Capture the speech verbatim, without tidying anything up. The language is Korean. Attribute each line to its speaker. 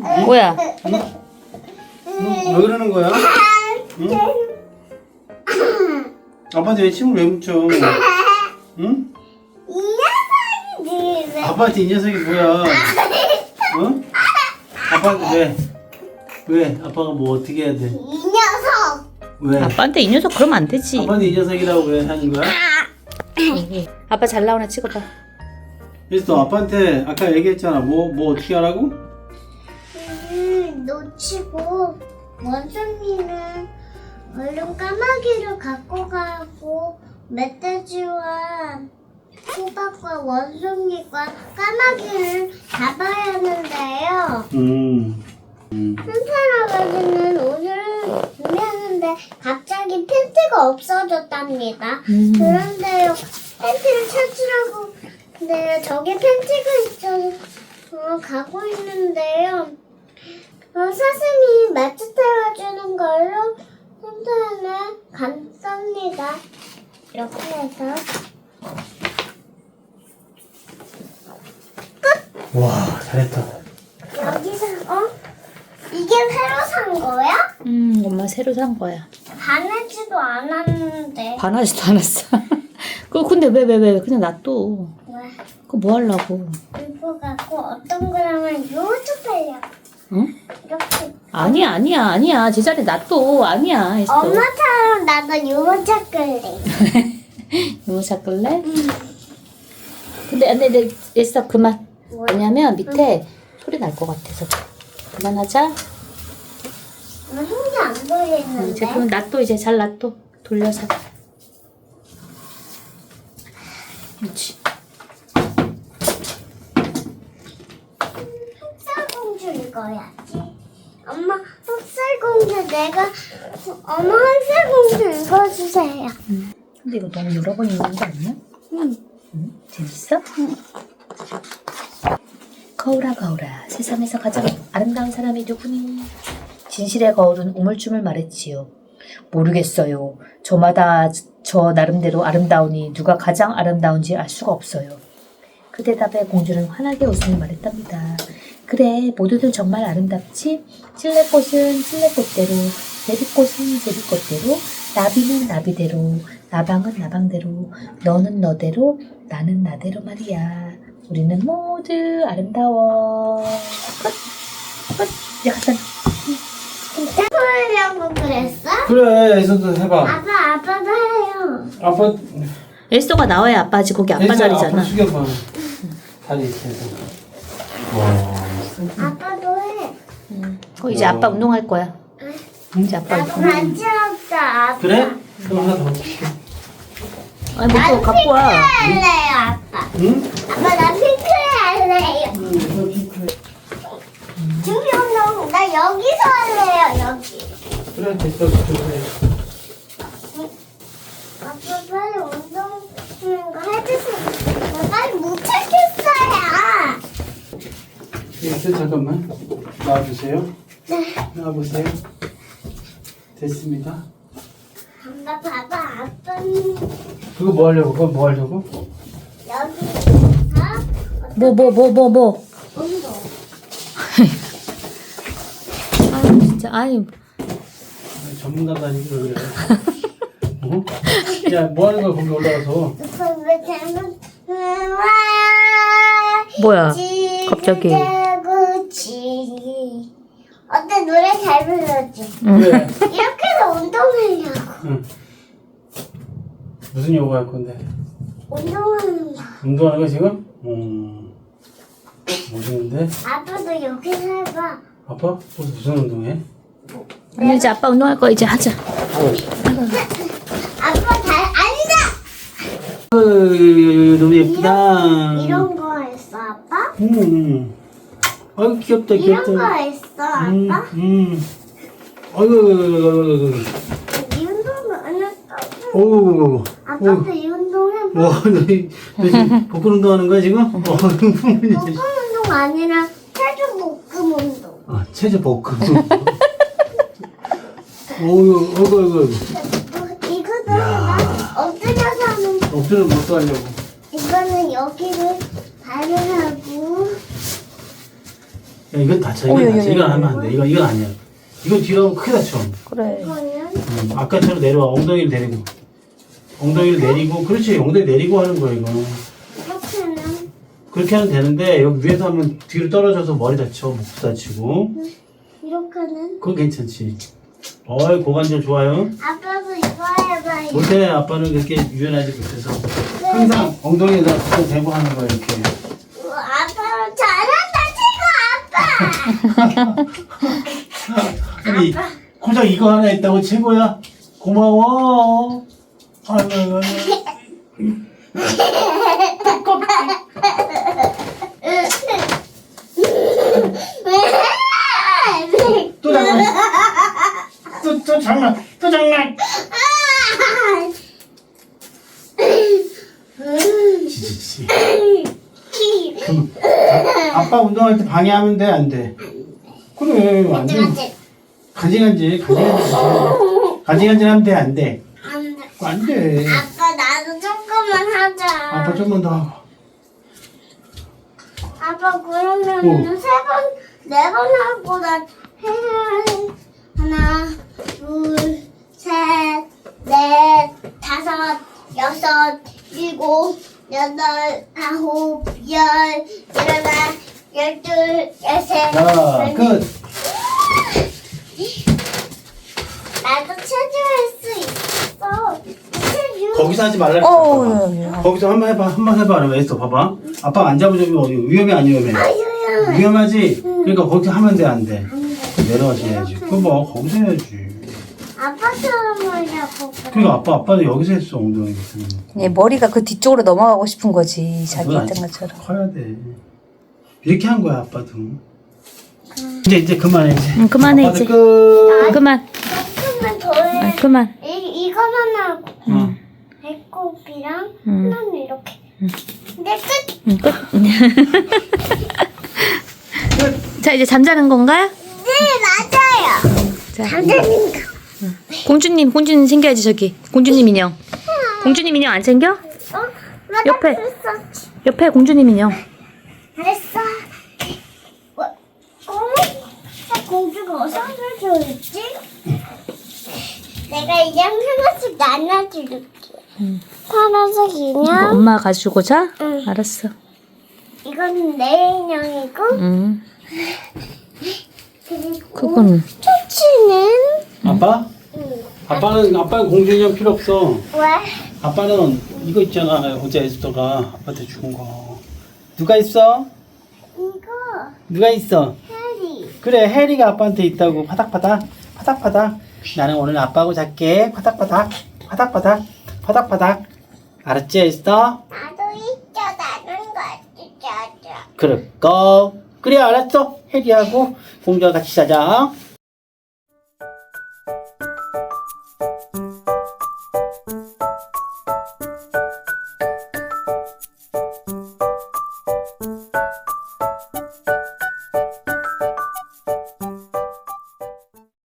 Speaker 1: 뭐야?
Speaker 2: 응? 왜 그러는 거야? 응? 아빠한테 왜 침을 왜 묻혀? 응?
Speaker 3: 이 녀석이지 왜?
Speaker 2: 아빠한테 이 녀석이 뭐야? 응? 아빠한테 왜? 왜? 아빠가 뭐 어떻게 해야 돼?
Speaker 3: 이 녀석.
Speaker 2: 왜?
Speaker 1: 아빠한테 이 녀석 그러면 안 되지.
Speaker 2: 아빠한테 이 녀석이라고 왜 하는 거야?
Speaker 1: 여기. 아빠 잘 나오나 찍어봐.
Speaker 2: 그래서 너 아빠한테 아까 얘기했잖아. 뭐, 뭐 어떻게 하라고?
Speaker 3: 음, 놓치고 원숭이는 얼른 까마귀를 갖고 가고 멧돼지와 호박과 원숭이과 까마귀를 잡아야 하는데요.
Speaker 2: 음. 음.
Speaker 3: 산타할아버지는 오늘은 준비하는데 갑자기 팬티가 없어졌답니다.
Speaker 1: 음.
Speaker 3: 그런데요, 팬티를 찾으라고 근데 저기 팬티가 있어서 어, 가고 있는데요. 어, 사슴이 마트 태워주는 걸로 산타는 감쌉니다. 이렇게 해서
Speaker 2: 와, 잘했다.
Speaker 3: 여기서 어? 이게 새로 산 거야?
Speaker 1: 음, 엄마 새로 산 거야.
Speaker 3: 반하지도 않았는데.
Speaker 1: 반하지도 않았어. 그 근데 왜 왜 왜 그냥 놔둬.
Speaker 3: 왜?
Speaker 1: 그거 뭐 하려고?
Speaker 3: 이거 갖고 어떤 거라면 요쪽 하려고.
Speaker 1: 응?
Speaker 3: 이렇게.
Speaker 1: 아니야 아니야 아니야 제자리 놔둬. 아니야 했어.
Speaker 3: 엄마처럼 나도 유모차 끌래.
Speaker 1: 유모차 끌래? 근데 안돼 내 했어 그만. 왜냐면 밑에 소리 날 것 같아서. 그만하자.
Speaker 3: 나 손이 안 보이는데.
Speaker 1: 이제 그럼 놔둬 이제 잘 놔둬. 돌려서. 그렇지.
Speaker 3: 흑살공주 읽어야지. 엄마 흑살공주 내가 엄마 흑살공주 읽어주세요.
Speaker 1: 근데 이거 너무 여러 번 읽는 거 아니야?
Speaker 3: 응.
Speaker 1: 응? 재밌어? 응. 거울아 거울아 세상에서 가장 아름다운 사람이 누구니? 진실의 거울은 우물쭈물 말했지요. 모르겠어요. 저마다 저 나름대로 아름다우니 누가 가장 아름다운지 알 수가 없어요. 그 대답에 공주는 환하게 웃으며 말했답니다. 그래 모두들 정말 아름답지? 찔레꽃은 찔레꽃대로 제비꽃은 제비꽃대로 나비는 나비대로 나방은 나방대로 너는 너대로 나는 나대로 말이야. 우리는 모두 아름다워. 끝! 끝! 야, 갖다 놔.
Speaker 3: 해보려고 그랬어?
Speaker 2: 그래, 애써도 해봐.
Speaker 3: 아빠 아빠도 해요.
Speaker 2: 아빠,
Speaker 1: 엘소가 나와야 아빠지. 거기 아빠
Speaker 2: 애써
Speaker 1: 자리잖아.
Speaker 2: 앞으로 숙여봐. 다리 이렇게 해서. 와.
Speaker 3: 아빠도 해.
Speaker 1: 응. 어, 이제 아빠 운동할 거야. 이제 아빠
Speaker 3: 나도
Speaker 1: 운동.
Speaker 3: 같이 하자. 아빠.
Speaker 2: 그래? 그럼 하나 더 줄게.
Speaker 1: 아니, 뭐 그거 갖고 와.
Speaker 3: 할래요 아빠.
Speaker 2: 응?
Speaker 3: 아빠 나 핑크 할래요.
Speaker 2: 응, 이거 핑크해.
Speaker 3: 준비운동 나 여기서 할래요 여기.
Speaker 2: 그래, 됐어. 그래.
Speaker 3: 아빠 빨리 운동 거 해주세요. 나 빨리 못 찾겠어요.
Speaker 2: 됐어, 잠깐만. 나와주세요.
Speaker 3: 네.
Speaker 2: 나와보세요. 됐습니다.
Speaker 3: 엄마 봐봐 아빠는
Speaker 2: 그거 뭐 하려고? 그거 뭐 하려고?
Speaker 3: 여기서
Speaker 1: 뭐, 뭐, 뭐, 뭐, 뭐.
Speaker 3: 운동.
Speaker 1: 아, 진짜. 아니,
Speaker 2: 아니, 전문가도 아니고 왜 그래? 어? 야, 뭐 하는 거야, 거기 올라가서.
Speaker 3: 왜 잘못 와
Speaker 1: 뭐야. 갑자기.
Speaker 3: 지구지 어때 노래 잘 불렀지?
Speaker 1: 응.
Speaker 2: 왜?
Speaker 3: 이렇게 해서 운동하려고.
Speaker 2: 응. 무슨 요가 할 건데?
Speaker 3: 운동하는 거.
Speaker 2: 운동하는 거 지금? 음. 멋있는데?
Speaker 3: 아빠도 여기서 해봐.
Speaker 2: 아빠? 무슨, 무슨 운동해?
Speaker 1: 아니, 이제 아빠 운동할 거 이제 하자.
Speaker 3: 아빠 잘 앉아.
Speaker 2: 어이, 너무 예쁘다.
Speaker 3: 이런 거 했어 아빠?
Speaker 2: 음. 아이고, 귀엽다,
Speaker 3: 이런
Speaker 2: 귀엽다.
Speaker 3: 거 했어
Speaker 2: 음,
Speaker 3: 아빠?
Speaker 2: 음. 아이고, 아이고, 아이고, 아이고.
Speaker 3: 이 운동은 안 했다고.
Speaker 2: 어우,
Speaker 3: 아빠도 이 운동 해봐.
Speaker 2: 와, 너, 이- 너 지금 복근 운동하는 거야, 지금? 어,
Speaker 3: 복근 운동 아니라 체중 복근 운동.
Speaker 2: 아, 체조 복근. 어이구, 어이구, 어이구.
Speaker 3: 뭐, 이거도 해봐. 엎드려서 하는 거.
Speaker 2: 엎드려 못 하려고.
Speaker 3: 이거는 여기를 발을 하고
Speaker 2: 야, 이건 다쳐.
Speaker 1: 오,
Speaker 2: 이건
Speaker 1: 야,
Speaker 2: 다쳐.
Speaker 1: 야,
Speaker 2: 이건
Speaker 1: 야,
Speaker 2: 하면 안 돼. 이건, 이건 아니야. 이건 뒤로 하면 크게 다쳐.
Speaker 1: 그래.
Speaker 3: 이거는
Speaker 2: 음, 아까처럼 내려와. 엉덩이를 내리고. 엉덩이를 내리고. 그렇지. 엉덩이 내리고 하는 거야, 이거.
Speaker 3: 이렇게는
Speaker 2: 그렇게 하면 되는데, 여기 위에서 하면 뒤로 떨어져서 머리 다쳐. 목 다치고.
Speaker 3: 이렇게는
Speaker 2: 그건 괜찮지. 어이, 고관절 좋아요.
Speaker 3: 아빠도 이거 해봐요.
Speaker 2: 못해. 아빠는 그렇게 유연하지 못해서. 항상 엉덩이에다 붙어 대고 하는 거야, 이렇게.
Speaker 3: 우와, 아빠 잘한다 최고 아빠.
Speaker 2: 아니, 고작 이거 하나 있다고 최고야? 고마워. 아이고, 아이고, 아이고.
Speaker 3: 왜?
Speaker 2: 또 장난. 또, 또 장난. 또 장난. 지지지. 그럼 아, 아빠 운동할 때 방해하면 돼, 안 돼? 그래, 안 돼. 간질간질, 간질간질. 간질간질 하면 돼, 안 돼?
Speaker 3: 안 돼.
Speaker 2: 안 돼.
Speaker 3: 아빠 나도 조금만 하자.
Speaker 2: 아빠 좀만 더 하고.
Speaker 3: 아빠 그러면
Speaker 2: 어.
Speaker 3: 세 번, 네 번 하고 나 해. 하나, 둘, 셋, 넷, 다섯, 여섯, 일곱, 여덟, 아홉, 열, 열하나, 열둘, 열셋.
Speaker 2: 자, 끝.
Speaker 3: 나도 체조할 수 있어. 체조.
Speaker 2: 거기서 하지 말라
Speaker 1: 어,
Speaker 2: 그랬어.
Speaker 1: 야, 야.
Speaker 2: 거기서 한 번 해봐, 한 번 해봐. 그러면 애써 봐봐. 아빠 안 잡아주면 어디 위험해, 안 위험해?
Speaker 3: 아유야.
Speaker 2: 위험하지? 그러니까 거기서 하면 돼, 안 돼?
Speaker 3: 안 돼.
Speaker 2: 내려와서 해야지. 그거 뭐, 거기서 해야지.
Speaker 3: 아빠처럼 하려고 그래.
Speaker 2: 그러니까 아빠, 아빠도 여기서 했어, 엉덩이.
Speaker 1: 얘 머리가 그 뒤쪽으로 넘어가고 싶은 거지. 자기
Speaker 2: 그건
Speaker 1: 했던
Speaker 2: 아직
Speaker 1: 것처럼.
Speaker 2: 커야 돼. 이렇게 한 거야, 아빠도. 이제, 이제 그만해, 이제.
Speaker 1: 응, 그만해,
Speaker 2: 아빠도
Speaker 1: 이제.
Speaker 2: 끝.
Speaker 1: 그만.
Speaker 3: 조금만 더 해.
Speaker 1: 아, 그만.
Speaker 3: 이, 이거만 하고.
Speaker 2: 어.
Speaker 3: 배꼽이랑
Speaker 1: 음.
Speaker 3: 하나는 이렇게. 근데 끝!
Speaker 1: 응, 끝. 자, 이제 잠자는 건가요?
Speaker 3: 네, 맞아요.
Speaker 1: 자,
Speaker 3: 잠자는 거.
Speaker 1: 공주님, 공주님 챙겨야지, 저기. 공주님 인형. 공주님 인형 안 챙겨?
Speaker 3: 어? 맞아,
Speaker 1: 옆에.
Speaker 3: 그랬었지.
Speaker 1: 옆에 공주님 인형.
Speaker 3: 잘했어. 어? 어? 나 공주가 어디서 있지? 내가 인형 하나씩 나눠줄게.
Speaker 1: 응.
Speaker 3: 파란색
Speaker 1: 이거
Speaker 3: 인형.
Speaker 1: 엄마 가지고 자?
Speaker 3: 응.
Speaker 1: 알았어.
Speaker 3: 이건 내 인형이고.
Speaker 1: 응.
Speaker 3: 그리고
Speaker 1: 그거는.
Speaker 3: 토치는.
Speaker 2: 아빠?
Speaker 3: 응.
Speaker 2: 아빠는, 아빠는 공주 인형 필요 없어.
Speaker 3: 왜?
Speaker 2: 아빠는 이거 있잖아. 어제 에스더가 아빠한테 준 거. 누가 있어?
Speaker 3: 이거
Speaker 2: 누가 있어?
Speaker 3: 해리.
Speaker 2: 그래, 해리가 아빠한테 있다고. 파닥파닥, 파닥파닥. 나는 오늘 아빠하고 잘게. 파닥파닥, 파닥파닥, 파닥파닥. 알았지, 에스더?
Speaker 3: 나도 있죠. 나는 같이 자자.
Speaker 2: 그럴까? 그래, 알았어. 해리하고 공주와 같이 자자.